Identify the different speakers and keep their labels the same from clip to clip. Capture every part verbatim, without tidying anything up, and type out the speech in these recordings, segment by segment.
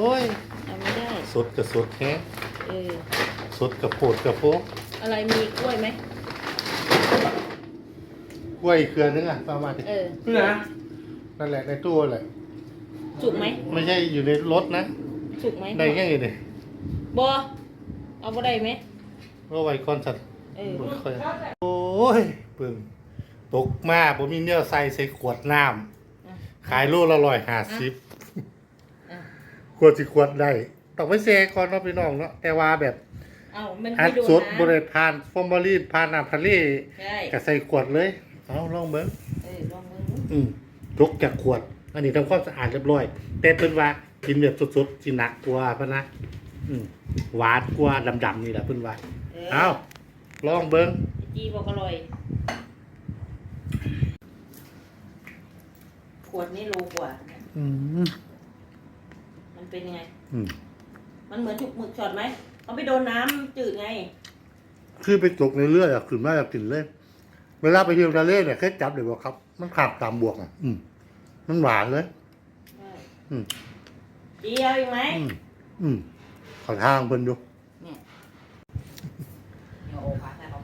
Speaker 1: อ้ย
Speaker 2: ทำไม่ได้
Speaker 1: สดกับสดแค่
Speaker 2: เออ
Speaker 1: สดกับโผดกับโพ
Speaker 2: อะไรมีกล้วยไหม
Speaker 1: กล้วยเครือนึงอ่ะประมาณนี้
Speaker 2: เออ
Speaker 3: นี่นะ
Speaker 1: นั่นแหละในตู้แหละ
Speaker 2: สุกไหม
Speaker 1: ไม่ใช่อยู่ในรถนะ
Speaker 2: สุกไหม
Speaker 1: ได้แค่ไหนเนี่ย
Speaker 2: บอเอาบ่ได้ไหม
Speaker 1: ก็ไว้คอนสัตว์
Speaker 2: เออ
Speaker 1: โอ้ยปึ่งตกมากผมมีเนื้อใส่ใส่ขวดน้ำขายโลละร้อยห้าสิบขวดสิขวดได้ต้องไปเซก่อนเนาะพี่น้องเนาะแต่ว่าแบบ
Speaker 2: เอามัน
Speaker 1: อั
Speaker 2: ไม่
Speaker 1: ด
Speaker 2: โดน
Speaker 1: สดบ
Speaker 2: นะ
Speaker 1: ริทานฟอร์มาลีนพานน้ำทะเล
Speaker 2: ใช่
Speaker 1: ก็ใส่ขวดเลยเอาลองเบิ้ง
Speaker 2: เออลองมือ
Speaker 1: อืมยกจากขวด อันนี้ทำความสะอาดเรียบร้อยแต่เพิ่นว่ากินแบบสดๆสิหนักกว่าพะนะอืมหวานกว่าดำๆนี่แหละเพิ่นว่าเอาลองเบิ้ง
Speaker 2: จีบอกอร่อยขวดนี่โลกว่า
Speaker 1: อืม
Speaker 2: มันเป็นยังไง
Speaker 1: อืม
Speaker 2: มันเหมือนถูกหมึกช็อตไหมเขาไปโดนน้ำจืดไง
Speaker 1: คือไปตกในเลือดอะขึ้นมาจากกลิ่นเลยเวลาไปเที่ยวทะเลเนี่ยแค่จับเดี๋ยวบอกครับ มันขาดตามบวกอ่ะ อืมมันหวานเลย
Speaker 2: ใช่
Speaker 1: อืม
Speaker 2: จีเอาอีกไหม
Speaker 1: อืมอืมขอทางเพิ่นดู
Speaker 2: เนี่ยเอาโอพาให้เขา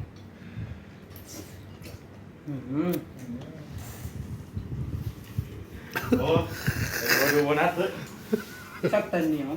Speaker 3: อืม
Speaker 1: โอ้ยดูโบนัสเลย
Speaker 3: ชอบเต้นเหนียว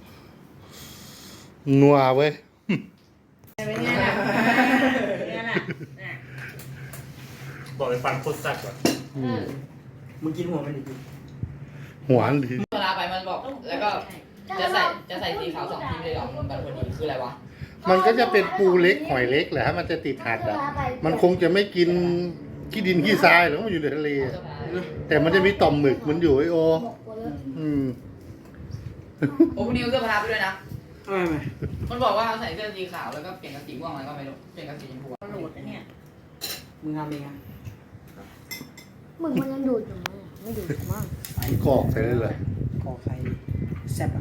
Speaker 1: นัวเว้ย
Speaker 2: เป็นไงล่ะเป็นไงล่ะน่ะ
Speaker 1: บอกไปฟันโคตรแซ่บอ่ะ
Speaker 2: เออ
Speaker 3: มึงกินหัวมันดิ
Speaker 1: หวานดี
Speaker 4: เวลาไปมันบอกแล้วก็จะใส่จะใส่สีขาวสองทีเลยเหรอมันแบบพอดีคืออะไรวะ
Speaker 1: มันก็จะเป็นปูเล็กหอยเล็กแหละฮะมันจะติดหัดอ่ะ มันคงจะไม่กินขี้ดินขี้ทรายหรอกมันอยู่ในทะเลอะแต่มันจะมีต่อมหมึกมันอยู่ไอโอ อืม
Speaker 4: โอ้พวกนี้เอาเสื้อผ้าไปด้วยนะ
Speaker 3: ไม่ไม่
Speaker 4: มันบอกว่าใส่เสื้อสีขาวแล้วก็เปลี่ยนกับสีม่วงอะไรก็ไม่รู้เปลี่ยนกับสีชมพู
Speaker 2: โหลดนะเนี่ย
Speaker 3: มึงทำเองอ่ะ
Speaker 5: มึงมันยังดูดอยู่มั้งไม่ดูดมั้ง
Speaker 1: กรอกใส่ได้เลย
Speaker 3: กอไข่แซ่บอ่ะ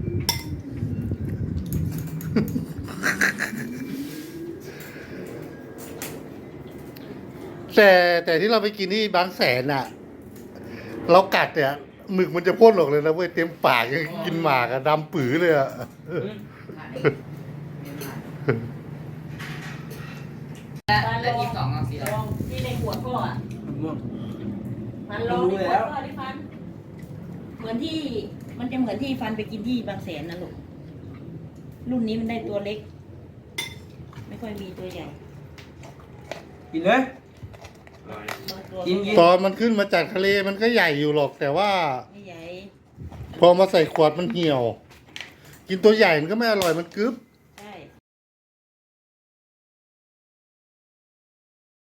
Speaker 1: แต่แต่ที่เราไปกินที่บางแสนอ่ะ เรากัดเนี่ยหมึกมันจะพ่นออกเลยนะเว้ยเต็มปากยังกินหมากอะดำปื๋อเลยอะ
Speaker 4: และและทีมสองเอาสีอะไร
Speaker 2: ลองที่ในขวดพ่ออ่ะ
Speaker 3: มะม่วง
Speaker 2: มันลองในขวดพ่อดิฟัน เหมือนที่มันจะเหมือนที่ฟันไปกินที่บางแสนนะลูก รุ่นนี้มันได้ตัวเล็ก ไม่ค่อยมีตัวใหญ่
Speaker 3: กินเลย
Speaker 2: บางตัว
Speaker 3: กินกิน
Speaker 1: ตอนมันขึ้นมาจากทะเลมันก็ใหญ่อยู่หรอก แต่ว่า
Speaker 2: ไม่ใหญ่
Speaker 1: พอมาใส่ขวดมันเหี่ยว กินตัวใหญ่มันก็ไม่อร่อยมันกึ๊บ